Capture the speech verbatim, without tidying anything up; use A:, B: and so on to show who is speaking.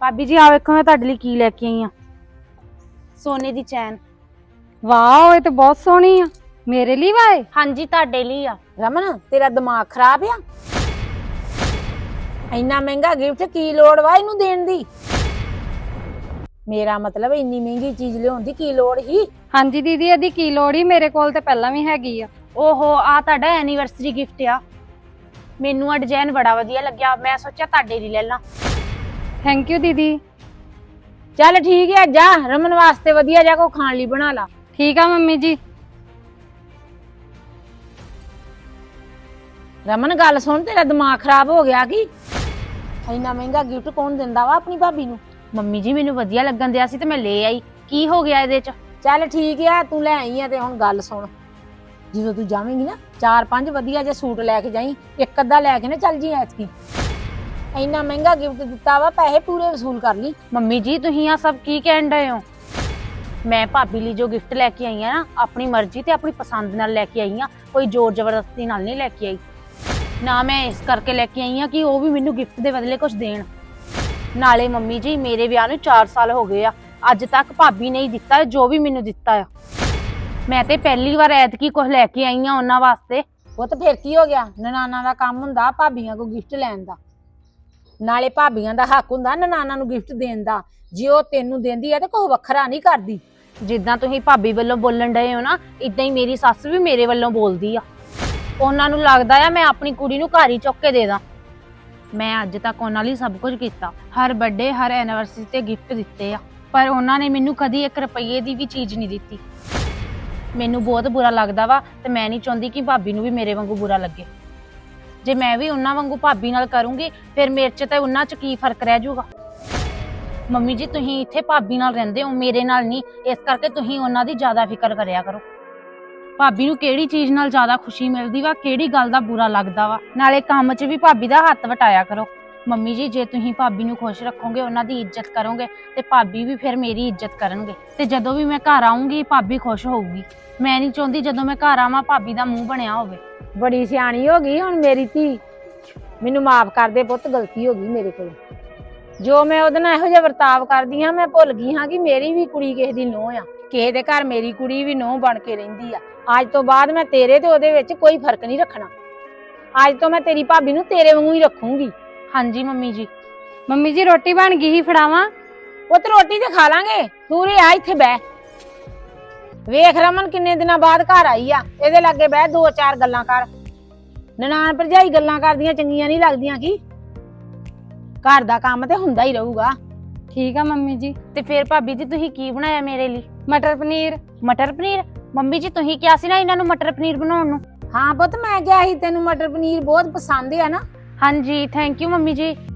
A: भाभी जी आ वेखो मैं तुहाडे लई की लैके आई हां सोने दी चैन।
B: वाह ये तो बहुत सोहनी आ। मेरे लिए वाए?
A: हाँ जी तुहाडे लई आ।
C: रमन तेरा दिमाग खराब आ? इन्ना महंगा गिफ्ट की लोड़ वा इनू देण दी? मेरा मतलब इन्नी महंगी चीज लियाउण दी की लोड़ ही?
B: हाँ जी दीदी ਇਹਦੀ ਕੀ ਲੋੜ ਹੀ ਮੇਰੇ ਕੋਲ ਤੇ ਪਹਿਲਾਂ ਵੀ ਹੈਗੀ ਆ।
A: ओहो आ तुहाडा एनिवर्सरी गिफ्ट आ। मैनू आ डिजाइन बड़ा वधिया लग्या, मैं सोचा तुहाडे लई ले ला।
B: थैंक यू दीदी।
C: चल ठीक है जा रमन वास्ते वधिया जा को खाण लई बना ला।
B: ठीक है मम्मी जी।
C: रमन गल सुन तेरा दिमाग खराब हो गया कि इन्ना महंगा गिफ्ट कौन दिंदा वा अपनी भाभी नू?
A: मम्मी जी मैनू वधिया लगन दिया सी ते मैं ले आई, की हो गया इहदे च?
C: चल ठीक है तू ले आई है ते हुण गल सुन, ਜਦੋਂ ਤੂੰ ਜਾਵੇਂਗੀ ਨਾ ਚਾਰ ਪੰਜ ਵਧੀਆ ਜੇ ਸੂਟ ਲੈ ਕੇ ਜਾਈਂ, ਇੱਕ ਅੱਧਾ ਲੈ ਕੇ ਨਾ ਚੱਲ ਜੀ ਐਤਕੀ। ਇੰਨਾ ਮਹਿੰਗਾ ਗਿਫਟ ਦਿੱਤਾ ਵਾ, ਪੈਸੇ ਪੂਰੇ ਵਸੂਲ ਕਰ ਲਈ।
A: ਮੰਮੀ ਜੀ ਤੁਸੀਂ ਆ ਸਭ ਕੀ ਕਹਿਣ ਡਏ ਹੋ? ਮੈਂ ਭਾਬੀ ਲਈ ਜੋ ਗਿਫਟ ਲੈ ਕੇ ਆਈ ਆ ਨਾ ਆਪਣੀ ਮਰਜ਼ੀ ਤੇ ਆਪਣੀ ਪਸੰਦ ਨਾਲ ਲੈ ਕੇ ਆਈ ਆ, ਕੋਈ ਜ਼ੋਰ ਜ਼ਬਰਦਸਤੀ ਨਾਲ ਨਹੀਂ ਲੈ ਕੇ ਆਈ। ਨਾ ਮੈਂ ਇਸ ਕਰਕੇ ਲੈ ਕੇ ਆਈ ਆ ਕਿ ਉਹ ਵੀ ਮੈਨੂੰ ਗਿਫਟ ਦੇ ਬਦਲੇ ਕੁਝ ਦੇਣ। ਨਾਲੇ ਮੰਮੀ ਜੀ ਮੇਰੇ ਵਿਆਹ ਨੂੰ ਚਾਰ ਸਾਲ ਹੋ ਗਏ ਆ, ਅੱਜ ਤੱਕ ਭਾਬੀ ਨੇ ਹੀ ਦਿੱਤਾ ਜੋ ਵੀ ਮੈਨੂੰ ਦਿੱਤਾ ਆ। ਮੈਂ ਤੇ ਪਹਿਲੀ ਵਾਰ ਐਤਕੀ ਕੁਝ ਲੈ ਕੇ ਆਈ ਆ ਉਹਨਾਂ ਵਾਸਤੇ।
C: ਉਹ ਤਾਂ ਫਿਰ ਕੀ ਹੋ ਗਿਆ, ਨਨਾਨਾ ਦਾ ਕੰਮ ਹੁੰਦਾ ਭਾਬੀਆਂ ਕੋ ਗਿਫਟ ਲੈਣ ਦਾ, ਨਾਲੇ ਭਾਬੀਆਂ ਦਾ ਹੱਕ ਹੁੰਦਾ ਨਨਾਨਾ ਨੂੰ ਗਿਫਟ ਦੇਣ ਦਾ। ਜੇ ਉਹ ਤੈਨੂੰ ਦਿੰਦੀ ਆ ਤੇ ਕੋਈ ਵੱਖਰਾ ਨਹੀਂ ਕਰਦੀ।
A: ਜਿੱਦਾਂ ਤੁਸੀਂ ਭਾਬੀ ਵੱਲੋਂ ਬੋਲਣ ਡਏ ਹੋ ਨਾ, ਇਦਾਂ ਹੀ ਮੇਰੀ ਸੱਸ ਵੀ ਮੇਰੇ ਵੱਲੋਂ ਬੋਲਦੀ ਆ। ਉਹਨਾਂ ਨੂੰ ਲੱਗਦਾ ਆ ਮੈਂ ਆਪਣੀ ਕੁੜੀ ਨੂੰ ਘਰ ਹੀ ਚੁੱਕ ਕੇ ਦੇ ਦਾਂ। ਮੈਂ ਅੱਜ ਤੱਕ ਉਹਨਾਂ ਲਈ ਸਭ ਕੁਝ ਕੀਤਾ, ਹਰ ਬਰਥਡੇ ਹਰ ਐਨੀਵਰਸਰੀ ਤੇ ਗਿਫਟ ਦਿੱਤੇ ਆ, ਪਰ ਉਹਨਾਂ ਨੇ ਮੈਨੂੰ ਕਦੀ ਇੱਕ ਰੁਪਈਏ ਦੀ ਵੀ ਚੀਜ਼ ਨਹੀਂ ਦਿੱਤੀ। ਮੈਨੂੰ ਬਹੁਤ ਬੁਰਾ ਲੱਗਦਾ ਵਾ ਤੇ ਮੈਂ ਨਹੀਂ ਚਾਹੁੰਦੀ ਕਿ ਭਾਬੀ ਨੂੰ ਵੀ ਮੇਰੇ ਵਾਂਗੂ ਬੁਰਾ ਲੱਗੇ। ਜੇ ਮੈਂ ਵੀ ਉਹਨਾਂ ਵਾਂਗੂ ਭਾਬੀ ਨਾਲ ਕਰੂੰਗੀ ਫਿਰ ਮੇਰੇ 'ਚ ਤੇ ਉਹਨਾਂ 'ਚ ਕੀ ਫਰਕ ਰਹਿ ਜਾਊਗਾ। ਮੰਮੀ ਜੀ ਤੁਸੀਂ ਇੱਥੇ ਭਾਬੀ ਨਾਲ ਰਹਿੰਦੇ ਹੋ, ਮੇਰੇ ਨਾਲ ਨਹੀਂ, ਇਸ ਕਰਕੇ ਤੁਸੀਂ ਉਹਨਾਂ ਦੀ ਜ਼ਿਆਦਾ ਫਿਕਰ ਕਰਿਆ ਕਰੋ। ਭਾਬੀ ਨੂੰ ਕਿਹੜੀ ਚੀਜ਼ ਨਾਲ ਜ਼ਿਆਦਾ ਖੁਸ਼ੀ ਮਿਲਦੀ ਵਾ, ਕਿਹੜੀ ਗੱਲ ਦਾ ਬੁਰਾ ਲੱਗਦਾ ਵਾ, ਨਾਲੇ ਕੰਮ 'ਚ ਵੀ ਭਾਬੀ ਦਾ ਹੱਥ ਵਟਾਇਆ ਕਰੋ। ਮੰਮੀ ਜੀ ਜੇ ਤੁਸੀਂ ਭਾਬੀ ਨੂੰ ਖੁਸ਼ ਰੱਖੋਗੇ, ਉਹਨਾਂ ਦੀ ਇੱਜ਼ਤ ਕਰੋਗੇ ਤੇ ਭਾਬੀ ਵੀ ਫਿਰ ਮੇਰੀ ਇੱਜ਼ਤ ਕਰਨਗੇ। ਤੇ ਜਦੋਂ ਵੀ ਮੈਂ ਘਰ ਆਉਂਗੀ ਭਾਬੀ ਖੁਸ਼ ਹੋਊਗੀ। ਮੈਂ ਨਹੀਂ ਚਾਹੁੰਦੀ ਜਦੋਂ ਮੈਂ ਘਰ ਆਵਾਂ ਭਾਬੀ ਦਾ ਮੂੰਹ ਬਣਿਆ ਹੋਵੇ।
C: ਬੜੀ ਸਿਆਣੀ ਹੋ ਗਈ ਹੁਣ ਮੇਰੀ ਧੀ, ਮੈਨੂੰ ਮਾਫ ਕਰ ਦੇ ਪੁੱਤ, ਗਲਤੀ ਹੋ ਗਈ ਮੇਰੇ ਕੋਲ। ਜੋ ਮੈਂ ਉਹਦੇ ਨਾਲ ਇਹੋ ਜਿਹਾ ਵਰਤਾਵ ਕਰਦੀ ਹਾਂ, ਮੈਂ ਭੁੱਲ ਗਈ ਹਾਂ ਕਿ ਮੇਰੀ ਵੀ ਕੁੜੀ ਕਿਸੇ ਦੀ ਨੂੰਹ ਆ, ਕਿਸੇ ਦੇ ਘਰ ਮੇਰੀ ਕੁੜੀ ਵੀ ਨੂੰਹ ਬਣ ਕੇ ਰਹਿੰਦੀ ਆ। ਅੱਜ ਤੋਂ ਬਾਅਦ ਮੈਂ ਤੇਰੇ ਤੇ ਉਹਦੇ ਵਿੱਚ ਕੋਈ ਫਰਕ ਨਹੀਂ ਰੱਖਣਾ। ਅੱਜ ਤੋਂ ਮੈਂ ਤੇਰੀ ਭਾਬੀ ਨੂੰ ਤੇਰੇ ਵਾਂਗੂ ਹੀ ਰੱਖੂੰਗੀ।
A: ਹਾਂਜੀ ਮੰਮੀ ਜੀ।
B: ਮੰਮੀ ਜੀ ਰੋਟੀ ਬਣ ਗਈ ਹੀ, ਫੜਾਵਾਂ?
C: ਪੁੱਤ ਰੋਟੀ ਤੇ ਖਾ ਲਾਂਗੇ, ਤੂੰ ਰੇ ਆ ਇੱਥੇ ਬਹਿ। ਵੇਖ ਰਮਨ ਕਿੰਨੇ ਦਿਨਾਂ ਬਾਅਦ ਘਰ ਆਈ ਆ, ਇਹਦੇ ਲਾਗੇ ਬਹਿ ਦੋ ਚਾਰ ਗੱਲਾਂ ਕਰ। ਨਨਾਣ ਭਰਜਾਈ ਗੱਲਾਂ ਕਰਦੀਆਂ ਚੰਗੀਆਂ ਨਹੀਂ ਲੱਗਦੀਆਂ ਕੀ? ਘਰ ਦਾ ਕੰਮ ਤੇ ਹੁੰਦਾ ਹੀ ਰਹੂਗਾ।
B: ठीक है मम्मी जी।
A: ਤੇ ਫਿਰ ਭਾਬੀ ਜੀ ਤੁਸੀਂ ਕੀ ਬਣਾਇਆ ਮੇਰੇ ਲਈ?
B: मटर पनीर।
A: ਮਟਰ ਪਨੀਰ? ਮੰਮੀ ਜੀ ਤੁਸੀਂ ਕਿਹਾ ਸੀ ਨਾ ਇਹਨਾਂ ਨੂੰ ਮਟਰ ਪਨੀਰ ਬਣਾਉਣ ਨੂੰ।
C: ਹਾਂ ਪੁੱਤ ਮੈਂ ਕਿਹਾ ਸੀ ਤੈਨੂੰ ਮਟਰ ਪਨੀਰ ਬਹੁਤ ਪਸੰਦ ਆ ਨਾ।
A: ਹਾਂਜੀ ਥੈਂਕ ਯੂ ਮੰਮੀ ਜੀ।